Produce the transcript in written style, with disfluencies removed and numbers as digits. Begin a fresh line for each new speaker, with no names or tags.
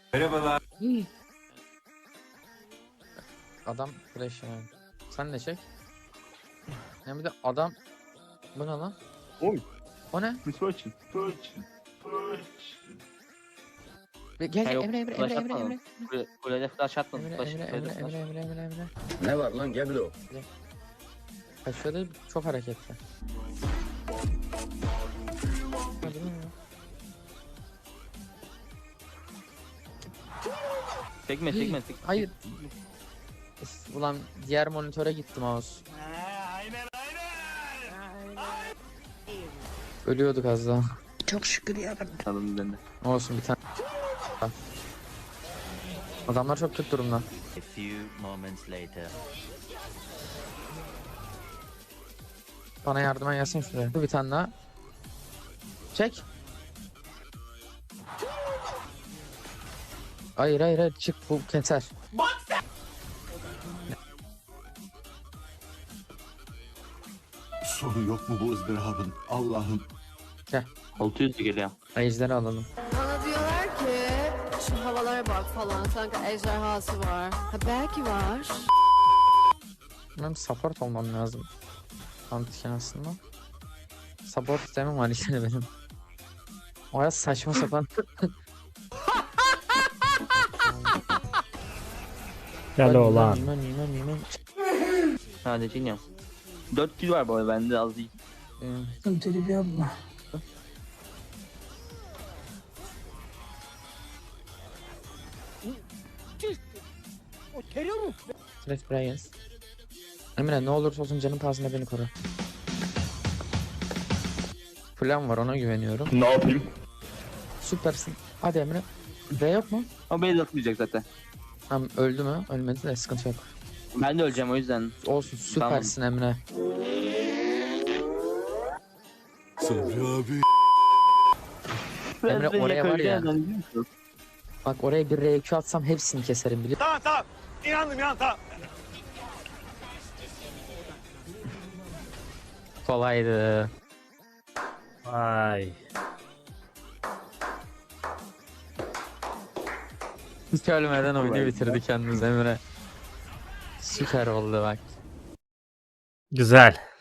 Merhabalar.
Adam flash yani. Sen de çek. Yani bir de adam... Bu ne lan?
Oy.
O ne?
Misfortune.
Gel
Ha, yok,
Emre Emre
flash
Emre Emre
atmadım.
Emre.
Kulede flash atmadım.
Emre
Flash,
Emre
kulede
Emre
flash.
Emre Emre Emre Emre.
Ne var lan Geblo?
Kaçıyor değil, çok hareketli. Hadi lan ya.
Tekme.
Hayır. Ulan diğer monitöre gitti mouse. Ölüyorduk az daha.
Alın bende.
Olsun bir tane. Adamlar çok kötü durumda.
A few moments later.
Bana yardıma gelsin şuraya. Bir tane daha. Çek. Hayır çık, bu keser.
Sonu yok mu bu ızdırabın? Allah'ım.
600 geliyor.
Ejderi alalım.
Bana diyorlar ki şu havalara bak falan sanki ejderhası var. Ha belki var.
Benim support olmam lazım. Antiken aslında. Support istemem var işte benim. O ya saçma sapan.
Gel oğlan.
Bilmem.
Sadece iniyorum. 4 kill var bu arada bende az değil.
Direkt buraya gel. Emre ne olursa olsun canın pahasına beni koru. Plan var, ona güveniyorum.
Ne yapayım?
Süpersin. Hadi Emre. V yok mu?
O beni de atmayacak zaten.
Tamam, öldü mü? Ölmedi de sıkıntı yok.
Ben de öleceğim o yüzden.
Olsun, süpersin Emre.
Sabri abi.
Emre,
Ben de
oraya var ya.
yakalayacağım, biliyor musun?
Bak oraya bir R2 atsam hepsini keserim biliyor musun?
Tamam. İnandım.
Kolaydı.
Ay.
Hiç ölmeden oyunu bitirdi kendiniz Emre. Süper oldu bak.
Güzel.